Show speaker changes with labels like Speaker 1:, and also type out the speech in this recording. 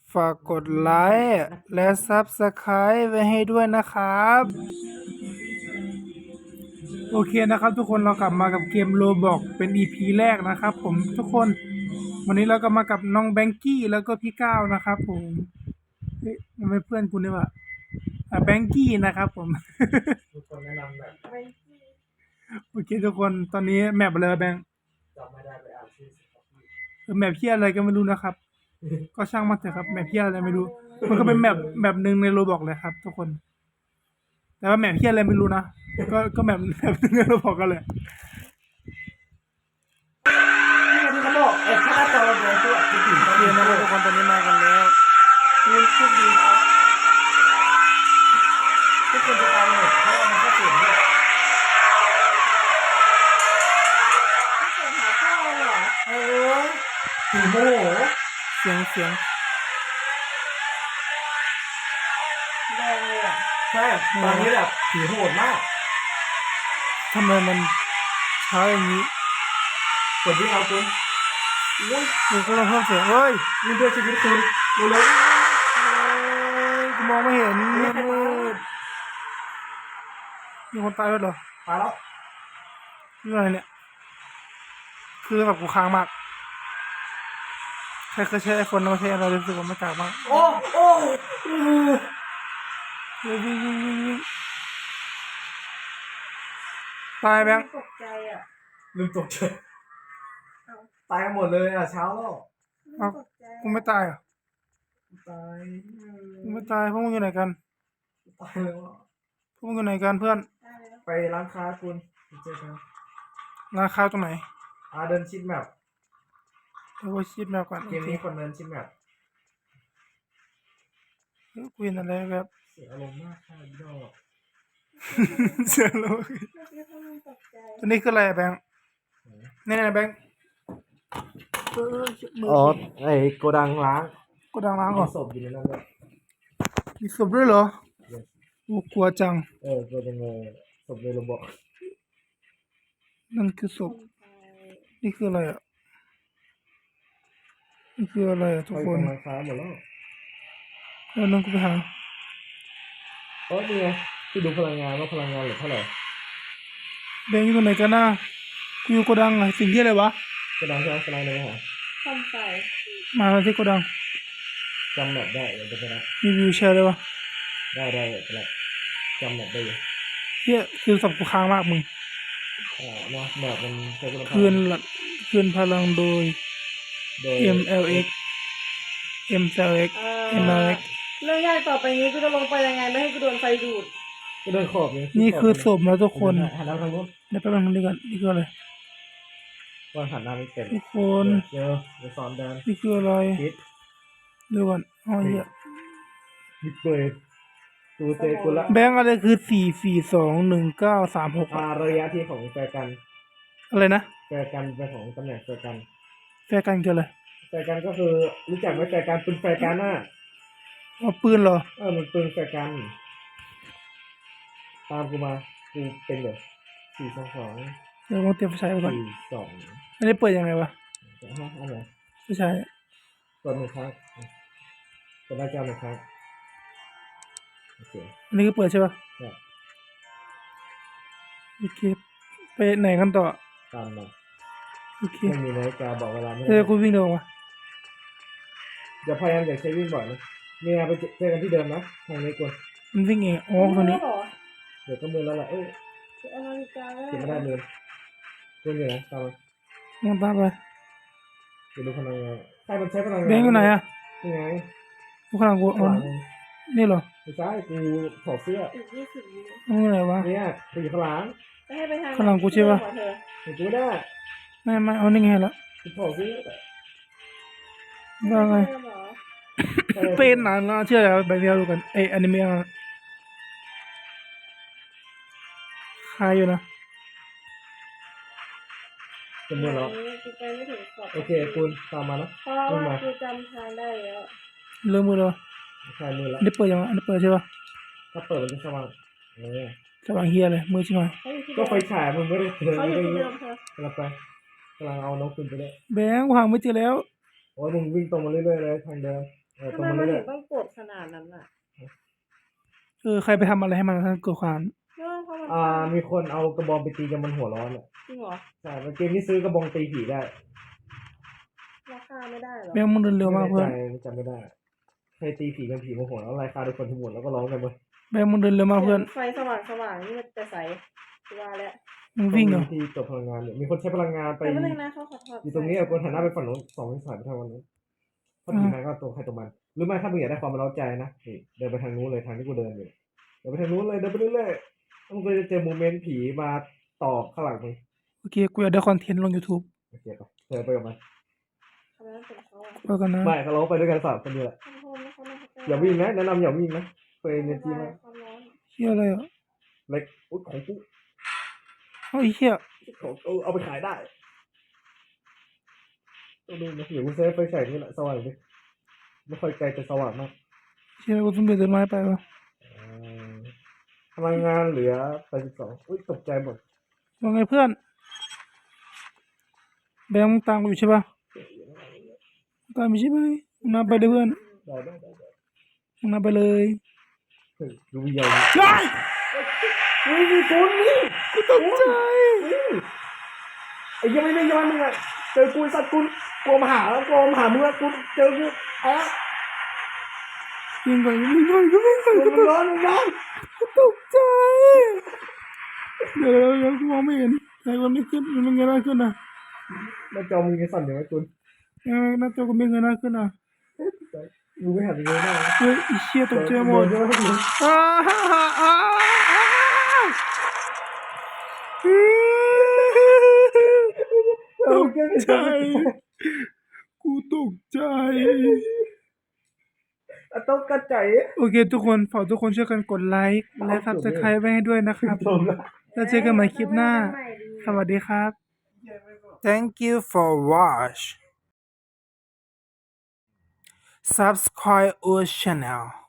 Speaker 1: ฝากกดไลค์และซับสไคร b e ไว้ให้ด้วยนะครับ โอเคนะครับทุกคนเรากลับมากับเกมโรบอกเป็น EP แรกนะครับผมทุกคนวันนี้เราก็มากับน้องแบงกี้แล้วก็พี่ก้าวนะครับผมเฮ้ยมันไม่เพื่อนคุณนี่หว่าแบงกี้นะครับผม
Speaker 2: ทุกคนแนะนำแบบ
Speaker 1: โอเคทุกคนตอนนี้แมปอะไรวะแบงค์
Speaker 2: จำไม่ได้ไปอ่านชื่อสิครับพี่
Speaker 1: แมปเพี้ยอะไรก็ไม่รู้นะครับ ก็ช่างมันเถอะครับแมปเพี้ยอะไรไม่รู้ มันก็เป็นแมปหนึ่งในโรบอกเลยครับ ทุกคน แต่ว่าแมปเพี้ยอะไรไม่รู้นะก็แมปหนึ่งในโรบอกกันเลย
Speaker 2: นี่ที่เขาบอกถ้าหน้าจอเราโดนตัวจะถึง
Speaker 1: โอเคนะครับทุกคนตอนนี้มากันแล้ว
Speaker 2: คุณโชคดีครับทุกคนจะตามเลยเพราะว่ามันก็เสียงด้วย
Speaker 3: เสียงหาพ่อเหรอ
Speaker 2: เออผีโมโห
Speaker 1: เสียง
Speaker 3: แดงเลยอ่ะ
Speaker 2: ใช่ตอนนี้แบบผีโหดมาก
Speaker 1: ทำไมมันช้าอย่างนี้
Speaker 2: กดที่เราคุณอุ้ย
Speaker 1: มันก็ลองเพิ่มเสียงเฮ้ย
Speaker 2: นี่เพื่อชีวิตคุณดูเลย
Speaker 1: กูมองไม่เห็นมันมืดมีคนตายแล้วเหรอ
Speaker 2: มาแล้ว
Speaker 1: คืออะไรเนี่ย คือแบบกูค้างมากใครเคยใช้ไอโฟนแล้วใช้อะไรรู้สึกว่ามันกากมาก
Speaker 2: โอ้โอ้
Speaker 1: วิ่งตายแบงค์
Speaker 3: ตกใจอ่ะ
Speaker 2: ลืมตกใจตายหมดเลยอ่ะเช้าแล้ว
Speaker 3: ตกใจ
Speaker 1: กูไม่ตายเหรอ่ะ
Speaker 2: ตาย
Speaker 1: กูไม่ตายพวกมึงอยู่ไหนกัน
Speaker 2: ตายแล้วอ่ะ
Speaker 1: พวกมึงอยู่ไหนกันเพื่อน
Speaker 3: ได้แล้ว
Speaker 2: ไปร้านค้าคุณเจอกัน
Speaker 1: ร้านข้าวตรงไหน
Speaker 2: เดินชิดแมป
Speaker 1: เดี๋ยวกูชิดแมวก่อน
Speaker 2: เกมนี้คนเดินชิดแมป
Speaker 1: กูเห็นอะไรแบบ
Speaker 2: เสียอารมณ์มากค่ะอีดอก
Speaker 1: เสียโลก
Speaker 3: เมื่อกี้เขามันตกใจ
Speaker 1: ตัวนี้คืออะไรอะแบงค์นี่แบงค์มื
Speaker 2: อ๋อไอ้โกดังล้าง
Speaker 1: กูดังล้างก่อน
Speaker 2: ศพอยู่ในนั้นเลย
Speaker 1: มีศพด้วยเหรอกูกลัวจัง
Speaker 2: โกดังศพในระบบ
Speaker 1: นั่นคือศพนี่คืออะไรอ่ะนี่คืออะไรอ่ะทุก
Speaker 2: ไป
Speaker 1: คน
Speaker 2: กำลังค้าหมดแล้ว
Speaker 1: แล้วน้องกูไปหา
Speaker 2: นี่ไงที่ดูพลังงานว่าพลังงานเหลือเท่าไหร่
Speaker 1: แบงค์อยู่ตรงไหนกันน่ะกูอยู่โกดังอะสิ่งที่อะไรวะ
Speaker 2: โกดังใช่ไหมกำลังเลยหา
Speaker 3: ทำใส่
Speaker 1: มาที่โกดัง
Speaker 2: จำแมปได้เดี๋ยวจะไปนะ
Speaker 1: มีวิวแชร์เลยวะ
Speaker 2: ได้ไปละจำแมปได้อยู่
Speaker 1: เฮียคือศพกูค้างมากมึง
Speaker 2: นะแมปมันใช้คุณภาพ
Speaker 1: คืนพลังโดย
Speaker 2: โดย
Speaker 1: MLX MLX
Speaker 3: เอ
Speaker 1: MLX
Speaker 3: เรื่องยากต่อไปนี้กูจะลงไปยังไงไม่ให้กูโดนไฟดูด
Speaker 2: ก็เดินขอบเลย
Speaker 1: นี่คือศพนะทุกคน
Speaker 2: หันหน้าทางนู้น
Speaker 1: เดี๋ยวแป๊บนึงนี่ก่อนนี่คืออะไร
Speaker 2: ว่าหันหน้าไม่เป็น
Speaker 1: ทุกคน
Speaker 2: เดี๋ยวสอนเดิน
Speaker 1: นี่คืออะไร
Speaker 2: คิด
Speaker 1: เดี๋ยวก่อนอ๋อเหี้ย
Speaker 2: มิดเบย์ตูเตกุละ
Speaker 1: แบงค์อะไรคือ4421936
Speaker 2: ระยะที่ของแฟร์กัน
Speaker 1: อะไรนะ
Speaker 2: แฟร์กันเป็นของตำแหน่งแฟร์กัน
Speaker 1: แฟร์กันคืออะไร
Speaker 2: แฟร์กันก็คือรู้จักไหมแฟร์กันปืนแฟร์กันน่ะ
Speaker 1: เอาปืนเหรอ
Speaker 2: มันปืนแฟร์กันตามกูมากูเป็นแบบ422
Speaker 1: เดี๋ยวลองเตรียมไฟฉายไปก่อน
Speaker 2: 42
Speaker 1: อันนี้เปิดยังไงวะ
Speaker 2: อันไหน
Speaker 1: ไฟฉาย
Speaker 2: กดหนึ่งครั้งกดหน้าจอหนึ่งครั้งโอเค
Speaker 1: อันนี้คือเปิดใช่ปะ
Speaker 2: เนี่ย
Speaker 1: โอเคไปไหนกันต่อ
Speaker 2: ตามมา
Speaker 1: โอเค
Speaker 2: ไม่มีนาฬิกาบอกเวลาไม่
Speaker 1: กูวิ่งเร็ววะ
Speaker 2: อย่าพยายามอย่าใช้วิ่งบ่อยนะเนี่ยไปเจอกันที่เดิมนะทางนี้กวน
Speaker 1: มันวิ่งเองอ๋อตรงนี้
Speaker 3: เหรอ
Speaker 2: เดี๋ยวก็มือแล้วแหละเอ้ย
Speaker 3: เอานาฬิกาแล้ว
Speaker 2: เก็บไม่ได้มือเพื่อนอยู่นะตามมา
Speaker 1: มองตามไป
Speaker 2: เดี๋ยวดูพลังงานใครมันใช้พลังงาน
Speaker 1: แบงค์อยู่ไหนอะ
Speaker 2: ยังไง
Speaker 1: กูข้างหลังกู
Speaker 2: ข้างหลัง
Speaker 1: นี่เหรอ
Speaker 2: ไม่ใช่กูถอดเสื้อ
Speaker 3: อีก20 วิ
Speaker 1: มันอยู่ไหนวะ
Speaker 2: เนี่ยกูอยู่ข้างหลัง
Speaker 3: จะให้ไปทาง
Speaker 1: ข้างหลังกูใช่ปะ
Speaker 3: เธอ
Speaker 2: เห็นกูไม่ได้
Speaker 1: ไม่เอานี่ไงละ
Speaker 2: กูถอดเสื้อ
Speaker 1: ว่าไง
Speaker 3: เธอเหรอ
Speaker 1: เป็นนานแล้วเชื่อแล้วแบบนี้ดูกันอนิเมะคายอยู่นะ
Speaker 2: จำนวนแล้ว
Speaker 3: กูไปไม่ถึงขอบ
Speaker 2: โอเคกูตามมานะ
Speaker 3: เพราะว่ากูจำทางได้แล้ว
Speaker 1: เริ่มมือแล้ว
Speaker 2: ใช่มือแล้ว
Speaker 1: อันนี้เปิดยังอันนี้เปิดใช่ปะ
Speaker 2: ถ้าเปิดมันจะสว่างเนี่ย
Speaker 1: สว่างเฮียเลยมือใช่ไหม
Speaker 3: เขาอยู่ที่
Speaker 2: ก็
Speaker 3: เดิม
Speaker 2: ไฟฉายมึงไม่ได้เจอ
Speaker 3: เขาอ
Speaker 2: ไม่
Speaker 3: ยู่
Speaker 2: ได้
Speaker 3: ที่
Speaker 2: เย
Speaker 3: เดิ
Speaker 2: อะ
Speaker 3: มเธอก
Speaker 2: ำลังไปกำลังเอานกขึ้นไปเลย
Speaker 1: แบงค์กูหาไม่เจอแล้ว
Speaker 2: โอ้ยมึงวิ่งตรงมาเรื่อยๆเลยทางเดิมต
Speaker 3: ทำ
Speaker 2: รง
Speaker 3: ไม
Speaker 2: มา
Speaker 3: มัน
Speaker 2: เรื่
Speaker 3: ถึ
Speaker 2: อย
Speaker 3: งต้องกดขนาดนั้นอ่ะ
Speaker 1: ใครไปทำอะไรให้มันท่านเกิดความ
Speaker 3: เรื่องเพราะมัน
Speaker 2: มีคนเอากระบองไปตีจนมันหัวร้อนอ่ะ
Speaker 3: จริงเหรอ
Speaker 2: ใช่เกมนี้ซื้อกระบองตีผีได้
Speaker 3: ราคาไม่ได้เหรอ
Speaker 1: แบงค์มึงเดินเร็วมาก
Speaker 2: ไม่
Speaker 1: เพื่อน
Speaker 2: แน่ใจจำไม่ได้ใครตีผีกันผีโมโหแล้วไล่ฆ่าทุกคนทั้งหมดแล้วก็ร้องกันเว้ย
Speaker 1: แบงค์มึงเดินเร็วมากเพื่อน
Speaker 3: ไฟสว่างนี่มันจะใสว่าแล้ว
Speaker 1: มึงวิ่งเหรอ
Speaker 2: ที่จบพลังงานเนี่ยมีคนใช้พลังงานไป
Speaker 3: แต่ไม่เลยนะเขาขอถอด
Speaker 2: อยู่ตรงนี้คนหันหน้าไปฝั่งโน้น2 สายไปทางวันนู้นเพราะผีมันก็ตัวใครตัวมันหรือไม่ถ้ามึงอยากได้ความเร้าใจนะนี่เดินไปทางนู้นเลยทางที่กูเดินอยู่เดินไปทางนู้นเลยเดินไปเรื่อยๆแล้วมึงก็จะเจอโมเมนต์ผีมาต่อข้างหลังมึง
Speaker 1: โอเคกูอยากได้คอนเทนต์ลง YouTube
Speaker 2: โอเคปะเดินไปกับมัน
Speaker 3: ทำไมต้องเป็นเขาอ่ะ
Speaker 1: ไปกันนะ
Speaker 2: ไม่เขาร้องไปด้วยกัน3 คนนี่แหละ
Speaker 3: เขาไม่
Speaker 2: อย่าวิ่งนะแนะนำอย่าวิ่งนะเฟรนเนจีมาก
Speaker 3: ความร้อน
Speaker 1: เฮียอะไรอ่ะ
Speaker 2: เล็กอุ๊ยของกู
Speaker 1: เฮ้ยเฮีย
Speaker 2: ของเอาไปขายได้ต้องดูนะเดี๋ยวกูเซฟไฟฉายนี่แหละสว่างดิไม่ค่อยไกลแต่สว่างมาก
Speaker 1: เฮียกูต้องเดินไม้ไปวะ
Speaker 2: พลังงานเหลือ82อุ้ยตกใจหมด
Speaker 1: ว่าไงเพื่อน แบงค์มึงตามกูอยู่ใช่ปะตามอยู่ใช่ไหมมึงนำไปเลยเพื่อน
Speaker 2: ได้
Speaker 1: มึงนำไปเลย
Speaker 2: เฮ้ยดูวิญญาณ
Speaker 1: ใช่
Speaker 2: เฮ้ยมีคนนี่
Speaker 1: กูตกใจ
Speaker 2: ไอ้ยังไม่ได้ย้อนมึงอ่ะเจอกูสัตว์กูกลัวมาหาแล้วกลัวมาหามึงแล้วกูเจอกูอ๋อ
Speaker 1: วิ่งก่อนวิ่งก่อนกูวิ่งก่อน
Speaker 2: มึงร้อนมึงร้อน
Speaker 1: กูตกใจเดี๋ยวกูมองไม่เห็นใครวันนี้ขึ้นมันเงยหน้าขึ้นอ่ะ
Speaker 2: มาจอมึงยังสั่นอยู่ไหมคุณ
Speaker 1: หน้าจอกูไม่เงยหน้าขึ้นอ่ะ
Speaker 2: มึงไม่หันไปเลยหน้า
Speaker 1: เฮ้ยไอ้เชี่ยตกใจหมด
Speaker 2: เดี๋ยวให้ดู
Speaker 1: อ้าฮ่าฮ่าอ้าตกใจกูตกใจ
Speaker 2: ต้องกระจาย
Speaker 1: โอเคทุกคนฝากทุกคนช่วยกันกดไลค์และ Subscribe ไว้ให้ด้วยนะครับ
Speaker 2: จบแล้ว
Speaker 1: แล้วเจอกันใหม่คลิปหน้า สวัสดีครับ Thank you for watch Subscribe our channel